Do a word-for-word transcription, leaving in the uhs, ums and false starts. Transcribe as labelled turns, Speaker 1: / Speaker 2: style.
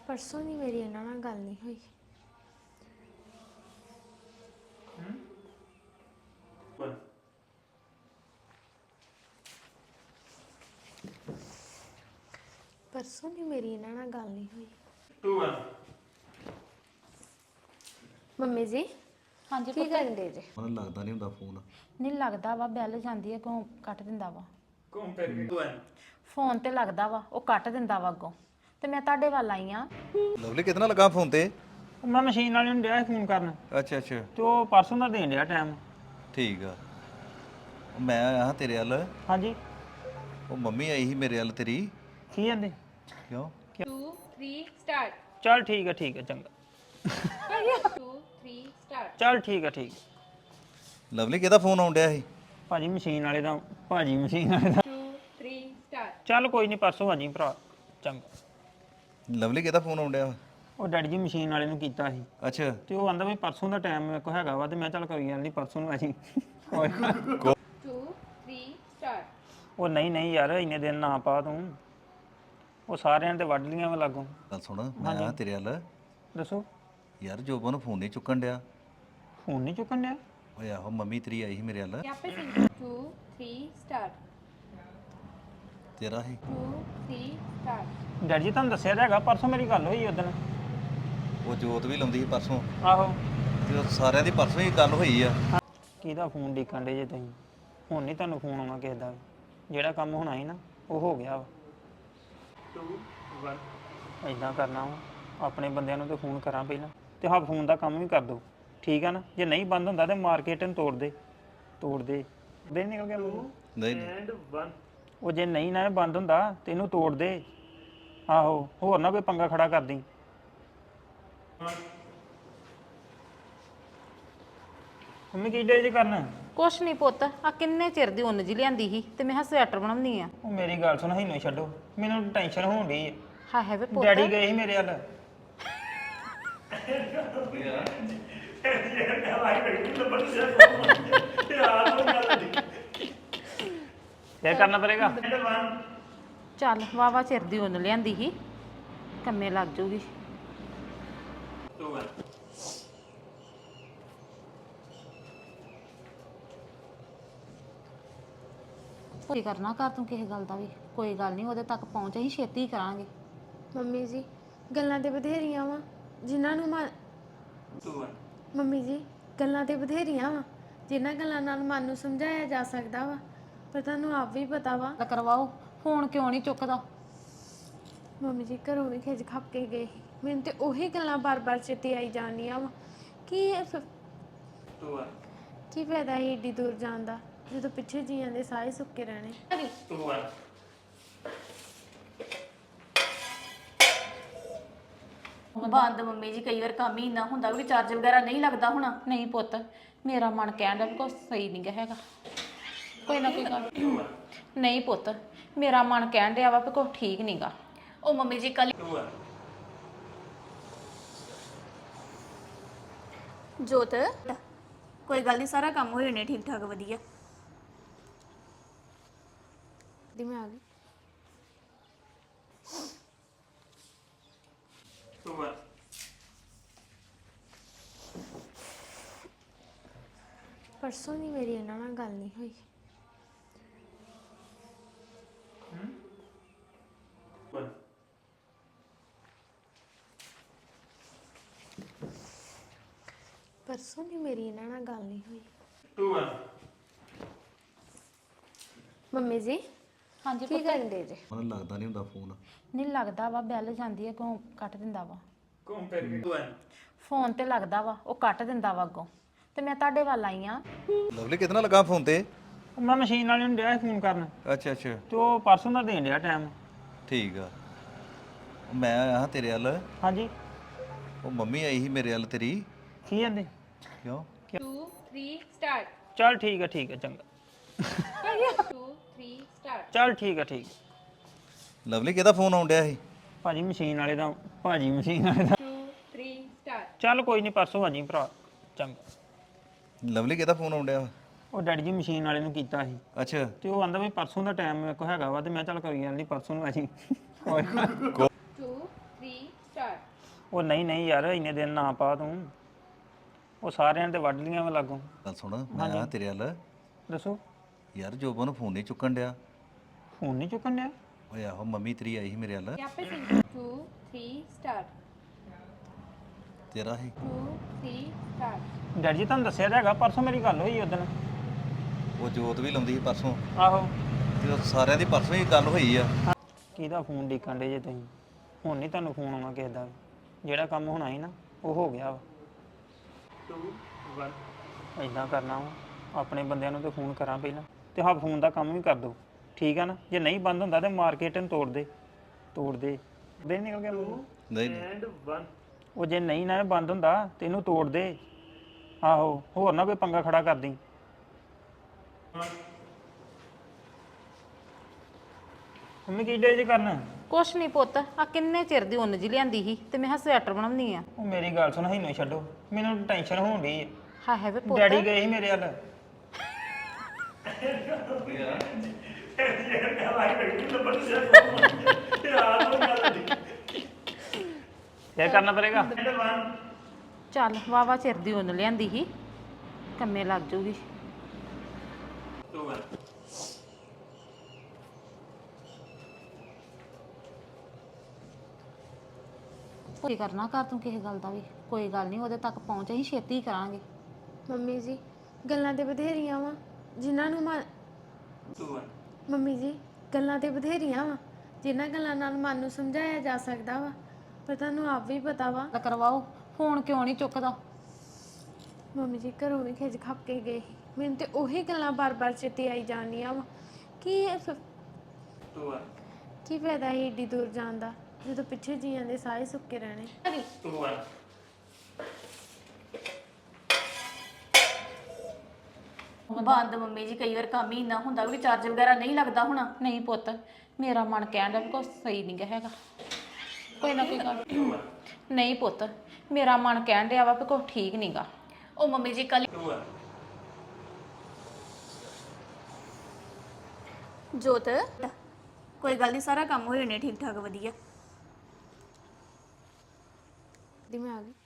Speaker 1: परसों नहीं मेरी इन्हां नाल गल नहीं हुई। परसों नहीं मेरी इन्हां नाल गल नहीं हुई।
Speaker 2: टू वन
Speaker 1: मम्मी जी
Speaker 3: ਹਾਂਜੀ
Speaker 1: की करन दे जे?
Speaker 4: ਮੈਨੂੰ ਲੱਗਦਾ ਨਹੀਂ ਹੁੰਦਾ ਫੋਨ
Speaker 3: ਨਹੀਂ ਲੱਗਦਾ ਵਾ ਬੈਲ ਜਾਂਦੀ ਹੈ ਕਿਉਂ ਕੱਟ ਦਿੰਦਾ ਵਾ
Speaker 2: ਕੰਪੇਅਰ ਟੂ वन
Speaker 3: ਫੋਨ ਤੇ ਲੱਗਦਾ ਵਾ ਉਹ ਕੱਟ ਦਿੰਦਾ ਵਾ ਅੱਗੋਂ ਤੇ ਮੈਂ ਤੁਹਾਡੇ ਵੱਲ ਆਈ ਆ
Speaker 4: ਲਵਲੀ ਕਿਤਨਾ ਲੱਗਾ ਫੋਨ ਤੇ
Speaker 2: ਮੈਂ ਮਸ਼ੀਨ ਵਾਲੇ ਨੂੰ ਡਿਆ ਫੋਨ ਕਰਨ
Speaker 4: ਅੱਛਾ ਅੱਛਾ
Speaker 2: ਤੇ ਉਹ ਪਰਸੋਂ ਦਾ ਦੇਣ ਡਿਆ ਟਾਈਮ
Speaker 4: ਠੀਕ ਆ ਉਹ ਮੈਂ ਆਇਆ ਹਾਂ ਤੇਰੇ ਵੱਲ
Speaker 2: ਹਾਂਜੀ
Speaker 4: ਉਹ ਮੰਮੀ ਆਈ ਸੀ ਮੇਰੇ ਵੱਲ ਤੇਰੀ
Speaker 2: ਕੀ ਕਹਿੰਦੇ
Speaker 4: ਕਿਉਂ
Speaker 5: टू थ्री स्टार्ट
Speaker 2: ਚੱਲ ਠੀਕ ਹੈ ਠੀਕ ਹੈ ਚੰਗਾ
Speaker 5: टू थ्री स्टार्ट
Speaker 2: ਚੱਲ ਠੀਕ ਹੈ ਠੀਕ
Speaker 4: ਲਵਲੀ ਕਿਹਦਾ ਫੋਨ ਆਉਣ ਡਿਆ ਸੀ
Speaker 2: ਭਾਜੀ ਮਸ਼ੀਨ ਵਾਲੇ ਦਾ ਭਾਜੀ ਮਸ਼ੀਨ ਵਾਲੇ ਦਾ
Speaker 5: टू थ्री स्टार्ट
Speaker 2: ਚੱਲ ਕੋਈ ਨਹੀਂ ਪਰਸੋਂ ਆ ਜੀ ਭਰਾ ਚੰਗਾ
Speaker 4: ਲਵਲੀ ਕਿਹਦਾ ਫੋਨ ਆਉਣ ਡਿਆ
Speaker 2: ਉਹ ਡੈਡੀ ਜੀ ਮਸ਼ੀਨ ਵਾਲੇ ਨੂੰ ਕੀਤਾ ਸੀ
Speaker 4: ਅੱਛਾ
Speaker 2: ਤੇ ਉਹ ਆਂਦਾ ਵੀ ਪਰਸੋਂ ਦਾ ਟਾਈਮ ਮੇਰੇ ਕੋਲ ਹੈਗਾ ਵਾ ਤੇ ਮੈਂ ਚੱਲ ਕੋਈ ਗੱਲ ਨਹੀਂ ਪਰਸੋਂ ਨੂੰ ਆ ਜੀ
Speaker 5: टू थ्री स्टार्ट
Speaker 2: ਉਹ ਨਹੀਂ ਨਹੀਂ ਯਾਰ ਇੰਨੇ ਦਿਨ ਨਾ ਪਾ ਤੂੰ ਉਹ ਸਾਰਿਆਂ ਤੇ ਵੱਢ ਲੀਆਂ ਵਾ ਲਾਗੋਂ
Speaker 4: ਗੱਲ ਸੁਣ ਮੈਂ ਆਇਆ ਤੇਰੇ ਵੱਲ
Speaker 2: ਦੱਸੋ
Speaker 4: ਯਾਰ ਜੋਬਨ ਨੂੰ ਫੋਨ ਨਹੀਂ ਚੁੱਕਣ ਡਿਆ
Speaker 2: ਫੋਨ ਨਹੀਂ ਚੁੱਕਣ ਡਿਆ
Speaker 4: ਓਏ ਆਹੋ ਮੰਮੀ ਤੇਰੀ ਆਈ ਸੀ ਮੇਰੇ ਵੱਲ
Speaker 5: यहाँ पे टू थ्री स्टार्ट
Speaker 4: ਤੇਰਾ ਹੀ
Speaker 5: टू थ्री स्टार्ट
Speaker 2: ਡੈਡੀ ਜੀ ਤੁਹਾਨੂੰ ਦੱਸਿਆ ਤਾਂ ਹੈਗਾ ਪਰਸੋਂ ਮੇਰੀ ਗੱਲ ਹੋਈ ਉਦੋਂ
Speaker 4: ਉਹ ਜੋਤ ਵੀ ਲਾਉਂਦੀ ਸੀ ਪਰਸੋਂ
Speaker 2: ਆਹੋ
Speaker 4: ਤੇ ਉਹ ਸਾਰਿਆਂ ਦੀ ਪਰਸੋਂ ਹੀ ਗੱਲ ਹੋਈ ਆ
Speaker 2: ਕਿਹਦਾ ਫੋਨ ਡੀਕਣ ਡੇ ਜੇ ਤੁਸੀਂ ਹੁਣ ਨਹੀਂ ਤੁਹਾਨੂੰ ਫੋਨ ਆਉਣਾ ਕਿਸੇ ਦਾ ਵੀ। ਜਿਹੜਾ ਕੰਮ ਹੋਣਾ ਸੀ ਨਾ ਉਹ ਹੋ ਗਿਆ ਵਾ ਟੂ वन ਇਦਾਂ ਕਰਨਾ ਵਾ ਆਪਣੇ ਬੰਦਿਆਂ ਨੂੰ ਤੇ ਫੋਨ ਕਰਾਂ ਪਹਿਲਾਂ ਤੇ ਹਾਂ ਫੋਨ ਦਾ ਕੰਮ ਵੀ ਕਰ ਦੋ ਠੀਕ ਆ ਨਾ ਜੇ ਨਹੀਂ ਬੰਦ ਹੁੰਦਾ ਤੇ ਮਾਰਕੀਟ ਨੂੰ ਤੋੜ ਦੇ ਤੋੜ ਦੇ ਦੇ ਨਿਕਲ ਗਿਆ
Speaker 4: ਨਹੀਂ ਨਹੀਂ
Speaker 2: ਉਹ ਜੇ ਨਹੀਂ ਨਾ ਇਹ ਬੰਦ ਹੁੰਦਾ ਤੇ ਇਹਨੂੰ ਤੋੜ ਦੇ ਆਹੋ ਹੋਰ ਨਾ ਕੋਈ ਪੰਗਾ ਖੜਾ ਕਰ ਦੀ ਮੰਮੀ ਕੀ ਡੇ ਜੇ ਕਰਨਾ
Speaker 3: ਕੁਛ ਨਹੀਂ ਪੁੱਤ ਆ ਕਿੰਨੇ ਚਿਰ ਦੀ ਉੱਨ ਜੀ ਲਿਆਂਦੀ ਸੀ ਤੇ ਮੈਂ ਹਾਂ ਸਵੈਟਰ ਬਣਾਉਣੀ ਆ
Speaker 2: ਉਹ ਮੇਰੀ ਗੱਲ ਸੁਣ ਹੀ ਨਹੀਂ ਛੱਡੋ ਮੈਨੂੰ ਟੈਨਸ਼ਨ ਹੋਣ ਡਈ ਹੈ
Speaker 3: ਹਾਂ ਹੈ ਵੇ ਪੁੱਤ
Speaker 2: ਡੈਡੀ ਗਏ ਸੀ ਮੇਰੇ ਵੱਲ ਕੀ ਕਰਨਾ ਪੜੇਗਾ
Speaker 3: ਚੱਲ ਵਾਵਾ ਚਿਰ ਦੀ ਉੱਨ ਲਿਆਂਦੀ ਸੀ ਕੰਮੇ ਲੱਗ ਜੂਗੀ ਕੋਈ ਕਰਨਾ ਕਰ ਤੂੰ ਕਿਸੇ ਗੱਲ ਦਾ ਵੀ ਕੋਈ ਗੱਲ ਨਹੀਂ ਉਹਦੇ ਤੱਕ ਪਹੁੰਚ ਅਸੀਂ ਛੇਤੀ ਕਰਾਂਗੇ
Speaker 1: ਮੰਮੀ ਜੀ ਗੱਲਾਂ ਤੇ ਬਥੇਰੀਆਂ ਵਾ ਜਿਨ੍ਹਾਂ ਨੂੰ ਮਨ ਮੰਮੀ ਜੀ ਗੱਲਾਂ ਤੇ ਬਥੇਰੀਆਂ ਵਾ ਜਿਨ੍ਹਾਂ ਗੱਲਾਂ ਨਾਲ ਮਨ ਨੂੰ ਸਮਝਾਇਆ ਜਾ ਸਕਦਾ ਵਾ ਪਰ ਤੁਹਾਨੂੰ ਆਪ ਵੀ ਪਤਾ ਵਾ
Speaker 3: ਗੱਲ ਕਰਵਾਓ ਫੋਨ ਕਿਉਂ ਨਹੀਂ ਚੁੱਕਦਾ
Speaker 1: ਮੰਮੀ ਜੀ ਘਰੋਂ ਵੀ ਖਿੱਚ ਖੱਪ ਕੇ ਗਏ ਸੀ। ਮੈਨੂੰ ਤੇ ਉਹੀ ਗੱਲਾਂ ਬਾਰ-ਬਾਰ ਚੇਤੇ ਆਈ ਜਾਂਦੀਆਂ ਵਾ ਕੀ ਇਹ ਫਿਰ- ਕੀ ਫਾਇਦਾ ਸੀ ਏਡੀ ਦੂਰ ਜਾਣ ਦਾ ਜਦੋਂ ਪਿੱਛੇ ਜੀਆਂ ਦੇ ਸਾਰੇ ਸੁੱਕੇ ਰਹਿਣੇ।
Speaker 6: ਬੰਦ ਮੰਮੀ ਜੀ ਕਈ ਵਾਰ ਕੰਮ ਹੀ ਇੰਨਾ ਹੁੰਦਾ ਵੀ ਚਾਰਜ ਵਗੈਰਾ ਨਹੀਂ ਲੱਗਦਾ ਹੋਣਾ
Speaker 3: ਨਹੀਂ ਪੁੱਤ ਮੇਰਾ ਮਨ ਕਹਿਣ ਦਾ ਵੀ ਕੁਛ ਸਹੀ ਨਹੀਂ ਗਾ ਹੈਗਾ ਕੋਈ ਨਾ ਕੋਈ ਗੱਲ ਨਹੀਂ ਪੁੱਤ ਮੇਰਾ ਮਨ ਕਹਿਣ ਡਿਆ ਵਾ ਵੀ ਕੁਛ ਠੀਕ ਨਹੀਂ ਗਾ
Speaker 6: ਉਹ ਮੰਮੀ ਜੀ ਕੱਲ ਜੋਤ ਕੋਈ ਗੱਲ ਨਹੀਂ ਸਾਰਾ ਕੰਮ ਹੋ ਜਾਣੇ ਠੀਕ ਠਾਕ ਵਧੀਆ
Speaker 1: ਦੀ ਮੈਂ ਆ ਗਈ परसों नहीं मेरी इन्हां नाल गल नहीं हुई। परसों नहीं मेरी इन्हां नाल गल नहीं हुई। मम्मी जी
Speaker 3: ਹਾਂਜੀ
Speaker 1: की करन दे जे?
Speaker 4: ਮੈਨੂੰ ਲੱਗਦਾ ਨਹੀਂ ਹੁੰਦਾ ਫੋਨ
Speaker 3: ਨਹੀਂ ਲੱਗਦਾ ਵਾ ਬੈਲ ਜਾਂਦੀ ਹੈ ਕਿਉਂ ਕੱਟ ਦਿੰਦਾ ਵਾ
Speaker 2: ਕੰਪੇਅਰ ਟੂ वन
Speaker 3: ਫੋਨ ਤੇ ਲੱਗਦਾ ਵਾ ਉਹ ਕੱਟ ਦਿੰਦਾ ਵਾ ਅੱਗੋਂ ਤੇ ਮੈਂ ਤੁਹਾਡੇ ਵੱਲ ਆਈ ਆ
Speaker 4: ਲਵਲੀ ਕਿਤਨਾ ਲੱਗਾ ਫੋਨ ਤੇ
Speaker 2: ਮੈਂ ਮਸ਼ੀਨ ਵਾਲੇ ਨੂੰ ਡਿਆ ਫੋਨ ਕਰਨ
Speaker 4: ਅੱਛਾ ਅੱਛਾ
Speaker 2: ਤੇ ਉਹ ਪਰਸੋਂ ਦਾ ਦੇਣ ਡਿਆ ਟਾਈਮ
Speaker 4: ਠੀਕ ਆ ਉਹ ਮੈਂ ਆਇਆ ਹਾਂ ਤੇਰੇ ਵੱਲ
Speaker 2: ਹਾਂਜੀ
Speaker 4: ਉਹ ਮੰਮੀ ਆਈ ਸੀ ਮੇਰੇ ਵੱਲ ਤੇਰੀ
Speaker 2: ਕੀ ਕਹਿੰਦੇ
Speaker 4: ਕਿਉਂ
Speaker 5: टू थ्री स्टार्ट
Speaker 2: ਚੱਲ ਠੀਕ ਹੈ ਠੀਕ ਹੈ ਚੰਗਾ
Speaker 5: टू थ्री स्टार्ट
Speaker 2: ਚੱਲ ਠੀਕ ਹੈ ਠੀਕ
Speaker 4: ਲਵਲੀ ਕਿਹਦਾ ਫੋਨ ਆਉਣ ਡਿਆ ਸੀ
Speaker 2: ਭਾਜੀ ਮਸ਼ੀਨ ਵਾਲੇ ਦਾ ਭਾਜੀ ਮਸ਼ੀਨ ਵਾਲੇ ਦਾ
Speaker 5: टू थ्री स्टार्ट
Speaker 2: ਚੱਲ ਕੋਈ ਨਹੀਂ ਪਰਸੋਂ ਆ ਜੀ ਭਰਾ ਚੰਗਾ
Speaker 4: ਲਵਲੀ ਕਿਹਦਾ ਫੋਨ ਆਉਣ ਡਿਆ
Speaker 2: ਉਹ ਡੈਡੀ ਜੀ ਮਸ਼ੀਨ ਵਾਲੇ ਨੂੰ ਕੀਤਾ ਸੀ
Speaker 4: ਅੱਛਾ
Speaker 2: ਤੇ ਉਹ ਆਂਦਾ ਵੀ ਪਰਸੋਂ ਦਾ ਟਾਈਮ ਮੇਰੇ ਕੋਲ ਹੈਗਾ ਵਾ ਤੇ ਮੈਂ ਚੱਲ ਕੋਈ ਗੱਲ ਨਹੀਂ ਪਰਸੋਂ ਨੂੰ ਆ ਜੀ
Speaker 5: टू थ्री स्टार्ट
Speaker 2: ਉਹ ਨਹੀਂ ਨਹੀਂ ਯਾਰ ਇੰਨੇ ਦਿਨ ਨਾ ਪਾ ਤੂੰ ਉਹ ਸਾਰਿਆਂ ਨੇ ਤੇ ਵੱਢ ਲੀਆਂ ਵਾ ਲਾਗੋਂ।
Speaker 4: ਗੱਲ ਸੁਣ ਮੈਂ ਆਇਆ ਤੇਰੇ ਵੱਲ
Speaker 2: ਦੱਸੋ।
Speaker 4: ਯਾਰ ਜੋਬਨ ਨੂੰ ਫੋਨ ਨਹੀਂ ਚੁੱਕਣ ਡਿਆ।
Speaker 2: ਫੋਨ ਨਹੀਂ ਚੁੱਕਣ ਡਿਆ?
Speaker 4: ਓਏ ਆਹੋ ਮੰਮੀ ਤੇਰੀ ਆਈ ਸੀ ਮੇਰੇ ਵੱਲ
Speaker 5: यहाँ पे टू थ्री स्टार्ट
Speaker 4: ਤੇਰਾ ਹੀ
Speaker 5: टू थ्री स्टार्ट
Speaker 2: ਡੈਡੀ ਜੀ ਤੁਹਾਨੂੰ ਦੱਸਿਆ ਤਾਂ ਹੈਗਾ ਪਰਸੋਂ ਮੇਰੀ ਗੱਲ ਹੋਈ ਉਦੋਂ।
Speaker 4: ਉਹ ਜੋਤ ਵੀ ਲਾਉਂਦੀ ਸੀ ਪਰਸੋਂ
Speaker 2: ਆਹੋ।
Speaker 4: ਤੇ ਉਹ ਸਾਰਿਆਂ ਦੀ ਪਰਸੋਂ ਹੀ ਗੱਲ ਹੋਈ ਆ।
Speaker 2: ਕਿਹਦਾ ਫੋਨ ਡੀਕਣ ਡੇ ਜੇ ਤੁਸੀਂ? ਹੁਣ ਨਹੀਂ ਤੁਹਾਨੂੰ ਫੋਨ ਆਉਣਾ ਕਿਸੇ ਦਾ ਵੀ। ਜਿਹੜਾ ਕੰਮ ਹੋਣਾ ਸੀ ਨਾ ਉਹ ਹੋ ਗਿਆ ਵਾ। ਇਦਾਂ ਕਰਨਾ ਵਾ ਆਪਣੇ ਬੰਦਿਆਂ ਨੂੰ ਤੇ ਫੋਨ ਕਰਾਂ ਪਹਿਲਾਂ ਤੇ ਹਾਂ ਫੋਨ ਦਾ ਕੰਮ ਵੀ ਕਰ ਦੋ ਠੀਕ ਆ ਨਾ। ਜੇ ਨਹੀਂ ਬੰਦ ਹੁੰਦਾ ਤੇ ਮਾਰਕੀਟ ਨੂੰ ਤੋੜ ਦੇ ਤੋੜ ਦੇ ਦੇ ਨਿਕਲ ਗਿਆ ਮੂੰਹੋਂ।
Speaker 4: ਨਹੀਂ ਨਹੀਂ
Speaker 2: ਉਹ ਜੇ ਨਹੀਂ ਨਾ ਇਹ ਬੰਦ ਹੁੰਦਾ ਤੇ ਇਹਨੂੰ ਤੋੜ ਦੇ। ਆਹੋ ਹੋਰ ਨਾ ਕੋਈ ਪੰਗਾ ਖੜਾ ਕਰ ਦੀ। ਮੰਮੀ ਕੀ ਡੇ ਜੇ ਕਰਨ?
Speaker 3: ਕੁਛ ਨਹੀਂ ਪੁੱਤ ਆ ਕਿੰਨੇ ਚਿਰ ਦੀ ਉੱਨ ਜੀ ਲਿਆਂਦੀ ਸੀ ਤੇ ਮੈਂ ਕਿਹਾ ਸਵੈਟਰ ਬਣਾਉਣੀ ਆ।
Speaker 2: ਉਹ ਮੇਰੀ ਗੱਲ ਸੁਣ ਹੀ ਛੱਡੋ ਮੈਨੂੰ ਟੈਨਸ਼ਨ ਹੋਣ ਡਈ ਹੈ।
Speaker 3: ਹਾਏ ਹਾਏ ਵੇ ਪੁੱਤ
Speaker 2: ਡੈਡੀ ਗਏ ਸੀ ਮੇਰੇ ਵੱਲ। ਫੇਰ ਕਰਨਾ ਪੜੇਗਾ।
Speaker 3: ਚੱਲ ਵਾਵਾ ਚਿਰ ਦੀ ਉੱਨ ਲਿਆਂਦੀ ਸੀ ਕੰਮੇ ਲੱਗ ਜੂਗੀ। ਕੋਈ ਕਰਨਾ ਕਰ ਤੂੰ ਕਿਸੇ ਗੱਲ ਦਾ ਵੀ ਕੋਈ ਗੱਲ ਨਹੀਂ ਉਹਦੇ ਤੱਕ ਪਹੁੰਚ ਅਸੀਂ ਛੇਤੀ ਹੀ ਕਰਾਂਗੇ।
Speaker 1: ਮੰਮੀ ਜੀ ਗੱਲਾਂ ਤੇ ਬਥੇਰੀਆਂ ਵਾ ਜਿਨ੍ਹਾਂ ਨੂੰ ਮਨ ਮੰਮੀ ਜੀ ਗੱਲਾਂ ਤੇ ਬਥੇਰੀਆਂ ਵਾ ਜਿਨ੍ਹਾਂ ਗੱਲਾਂ ਨਾਲ ਮਨ ਨੂੰ ਸਮਝਾਇਆ ਜਾ ਸਕਦਾ ਵਾ ਪਰ ਤੁਹਾਨੂੰ ਆਪ ਵੀ ਪਤਾ ਵਾ।
Speaker 3: ਤਾਂ ਕਰਵਾਓ ਫੋਨ ਕਿਉਂ ਨਹੀਂ ਚੁੱਕਦਾ?
Speaker 1: ਮੰਮੀ ਜੀ ਘਰੋਂ ਵੀ ਖਿੱਚ ਖੱਪ ਕੇ ਗਏ ਸੀ। ਮੈਨੂੰ ਤੇ ਉਹੀ ਗੱਲਾਂ ਬਾਰ-ਬਾਰ ਚੇਤੇ ਆਈ ਜਾਂਦੀਆਂ ਵਾ ਕੀ ਇਹ ਫਿਰ- ਕੀ ਫਾਇਦਾ ਸੀ ਏਡੀ ਦੂਰ ਜਾਣ ਦਾ ਜਦੋਂ ਪਿੱਛੇ ਜੀਆਂ ਦੇ ਸਾਹ ਹੀ ਸੁੱਕੇ ਰਹਿਣੇ।
Speaker 6: ਬੰਦ ਮੰਮੀ ਜੀ ਕਈ ਵਾਰ ਕੰਮ ਹੀ ਇੰਨਾ ਹੁੰਦਾ ਵੀ ਚਾਰਜ ਵਗੈਰਾ ਨਹੀਂ ਲੱਗਦਾ ਹੋਣਾ।
Speaker 3: ਨਹੀਂ ਪੁੱਤ ਮੇਰਾ ਮਨ ਕਹਿਣ ਡਿਆ ਵੀ ਕੁਛ ਸਹੀ ਨਹੀਂ ਗਾ ਹੈਗਾ। ਕੋਈ ਨਾ ਕੋਈ ਗੱਲ ਨਹੀਂ ਪੁੱਤ ਮੇਰਾ ਮਨ ਕਹਿਣ ਡਿਆ ਵਾ ਵੀ ਕੁਛ ਠੀਕ ਨਹੀਂ ਗਾ।
Speaker 6: ਉਹ ਮੰਮੀ ਜੀ ਕੱਲ ਜੋਤ ਕੋਈ ਗੱਲ ਨਹੀਂ ਸਾਰਾ ਕੰਮ ਹੋ ਜਾਣੇ ਠੀਕ ਠਾਕ ਵਧੀਆ।
Speaker 1: ਦੀ ਮੈਂ ਆ ਗਈ।